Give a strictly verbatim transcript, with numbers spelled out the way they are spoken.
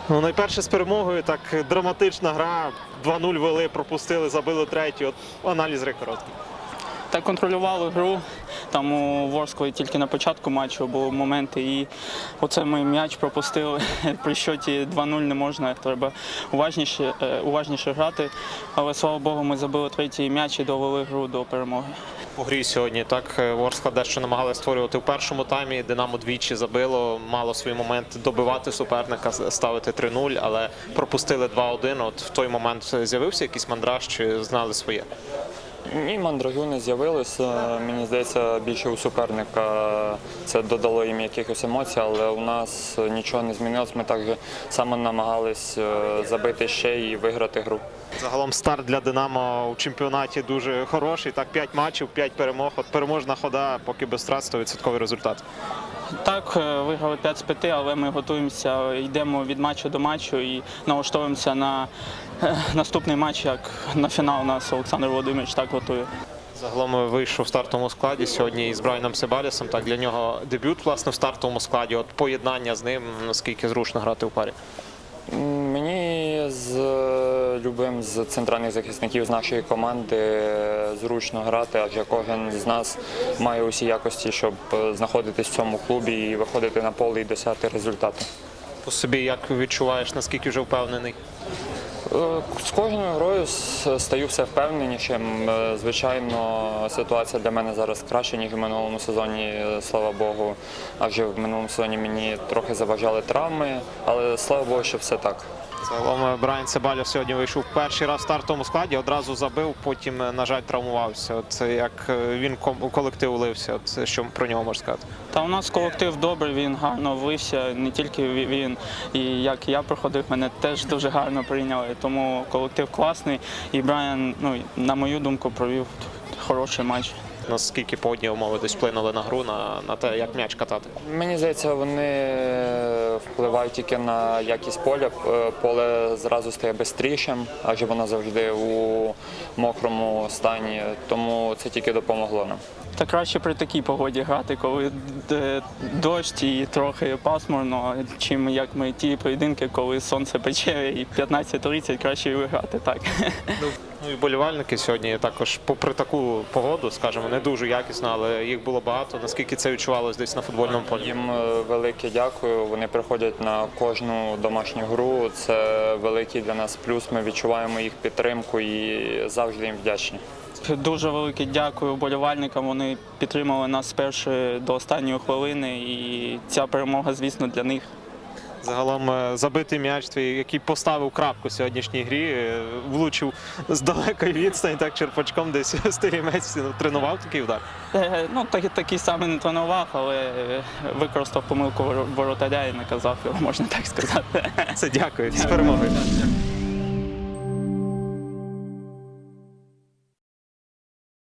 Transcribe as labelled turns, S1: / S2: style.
S1: Ну, найперше з перемогою, так драматична гра, два нуль вели, пропустили, забили третю. От аналіз гри короткий.
S2: Так контролювали гру, там у Ворскли тільки на початку матчу були моменти, і оце ми м'яч пропустили. При счеті два нуль не можна, треба уважніше, уважніше грати, але, слава Богу, ми забили третій м'яч і довели гру до перемоги.
S1: У грі сьогодні так Ворскла дещо намагалася створювати в першому таймі, Динамо двічі забило, мало свій момент добивати суперника, ставити три нуль, але пропустили два один. От в той момент з'явився якийсь мандраж чи знали своє?
S3: Ні, мандражу не з'явилося. Мені здається, більше у суперника це додало їм якихось емоцій, але у нас нічого не змінилось. Ми так само намагались забити ще і виграти гру.
S1: Загалом старт для Динамо у чемпіонаті дуже хороший. Так, п'ять матчів, п'ять перемог. От переможна хода, поки без втрат, сто відсотків результат.
S2: Так, виграли п'ять з п'яти, але ми готуємося, йдемо від матчу до матчу і налаштовуємося на наступний матч, як на фінал нас Олександр Володимирович так готує.
S1: Загалом вийшов в стартовому складі сьогодні із Брайаном Себалісом. Так, для нього дебют, власне, в стартовому складі. От поєднання з ним, наскільки зручно грати у парі?
S3: Мені з любим з центральних захисників з нашої команди зручно грати, адже кожен з нас має усі якості, щоб знаходитись в цьому клубі і виходити на поле і досягти результату.
S1: По собі як відчуваєш, наскільки вже впевнений?
S3: З кожною грою стаю все впевненішим. Звичайно, ситуація для мене зараз краща, ніж в минулому сезоні, слава Богу. Адже в минулому сезоні мені трохи заважали травми, але слава Богу, що все так.
S1: Загалом Брайан Себаліс сьогодні вийшов перший раз в стартовому складі, одразу забив, потім, на жаль, травмувався. От як він у колектив влився, от що про нього можна сказати?
S2: Та у нас колектив добрий, він гарно влився, не тільки він, і як я проходив, мене теж дуже гарно прийняли, тому колектив класний, і Брайан, ну, на мою думку, провів хороший матч.
S1: Наскільки погодні умови десь вплинули на гру, на, на те, як м'яч катати?
S3: Мені здається, вони впливають тільки на якість поля. Поле зразу стає бистрішим, адже воно завжди у мокрому стані, тому це тільки допомогло нам.
S2: Та краще при такій погоді грати, коли дощ і трохи пасмурно, чим як ми ті поєдинки, коли сонце пече і п'ятнадцять тридцять, краще виграти так.
S1: Ну і вболівальники сьогодні також, попри таку погоду, скажімо, не дуже якісно, але їх було багато. Наскільки це відчувалось десь на футбольному полі?
S3: Їм велике дякую. Вони приходять на кожну домашню гру. Це великий для нас плюс. Ми відчуваємо їх підтримку і завжди їм вдячні.
S2: Дуже велике дякую вболівальникам. Вони підтримали нас з першої до останньої хвилини, і ця перемога, звісно, для них.
S1: Загалом забитий м'яч твій, який поставив крапку в сьогоднішній грі, влучив з далекої відстані, так черпачком десь Стерімець тренував такий удар?
S2: Ну, так, такий самий не тренував, але використав помилку воротаря і наказав його, можна так сказати.
S1: Це дякую, з перемогою.